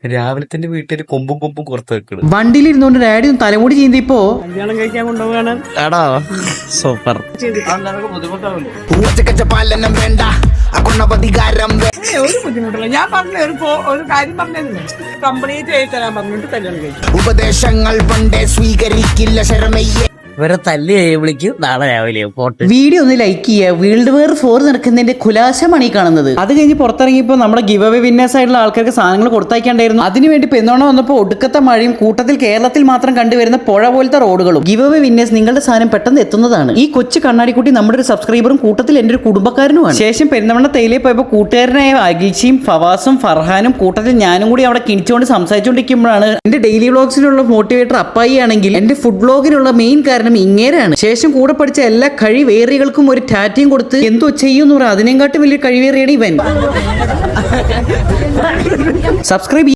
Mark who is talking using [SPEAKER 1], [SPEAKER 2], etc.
[SPEAKER 1] രാവിലെ തന്നെ വീട്ടിൽ കൊമ്പും പുറത്ത് വെക്കണം.
[SPEAKER 2] വണ്ടിയിൽ ഇരുന്നോണ്ട് ഡാഡിയും തലമുടി ചീന്തിപ്പോ
[SPEAKER 3] കല്യാണം കഴിക്കാൻ കൊണ്ടുപോകാണ്.
[SPEAKER 1] എടാ സൂപ്പർ.
[SPEAKER 3] ഒരു ബുദ്ധിമുട്ടില്ല. ഞാൻ പറഞ്ഞ ഒരു കാര്യം പറഞ്ഞിരുന്നു, കംപ്ലീറ്റ് ചെയ്ത് തരാൻ പറഞ്ഞിട്ട് കല്യാണം കഴിച്ചു.
[SPEAKER 4] ഉപദേശങ്ങൾ പണ്ടേ സ്വീകരിക്കില്ല ശരമയ്യ.
[SPEAKER 1] ഇവരെ തല്ലി വിളിക്കും നാളെ രാവിലെ പോട്ട്.
[SPEAKER 2] വീഡിയോ ഒന്ന് ലൈക്ക് ചെയ്യുക. വേൾഡ് വെയർ 4 നടക്കുന്നതിന്റെ കുലാശമാണ് ഈ കാണുന്നത്. അത് കഴിഞ്ഞ് പുറത്തിറങ്ങിയപ്പോൾ നമ്മുടെ ഗിവ് അവേ വിന്നേഴ്സ് ആയിട്ടുള്ള ആൾക്കാർക്ക് സാധനങ്ങൾ കൊടുത്തയക്കാണ്ടായിരുന്നു. അതിനുവേണ്ടി പെരുന്നോണം വന്നപ്പോൾ ഒടുക്കത്തെ മഴയും കൂട്ടത്തിൽ കേരളത്തിൽ മാത്രം കണ്ടുവരുന്ന പുഴ പോലത്തെ റോഡുകളും. ഗിവ് അവേ വിന്നേഴ്സ് നിങ്ങളുടെ സാധനം പെട്ടെന്ന് എത്തുന്നതാണ്. ഈ കൊച്ചു കണ്ണാടിക്കുട്ടി നമ്മുടെ ഒരു സബ്സ്ക്രൈബറും കൂട്ടത്തിൽ എന്റെ ഒരു കുടുംബക്കാരനുമാണ്. ശേഷം പെരുന്നവണ്ണ തേയിലയിൽ പോയപ്പോൾ കൂട്ടുകാരനായ അഖിൽഷിയും ഫവാസും ഫർഹാനും കൂട്ടത്തിൽ ഞാനും കൂടി അവിടെ കിണിച്ചുകൊണ്ട് സംസാരിച്ചുകൊണ്ടിരിക്കുമ്പോഴാണ് എന്റെ ഡെയിലി വ്ളോഗ്സിലുള്ള മോട്ടിവേറ്റർ അപ്പായി ആണെങ്കിൽ എന്റെ ഫുഡ് വ്ളോഗിനുള്ള മെയിൻ കാരണം ഇങ്ങേരാണ്. ശേഷം കൂടെ പഠിച്ച എല്ലാ കഴിവേറികൾക്കും ഒരു ടാറ്റയും കൊടുത്ത് എന്തോ ചെയ്യുമെന്ന് പറയാം. അതിനെക്കാട്ടും വലിയ കഴിവേറിയാണ് ഇവൻ. സബ്സ്ക്രൈബ്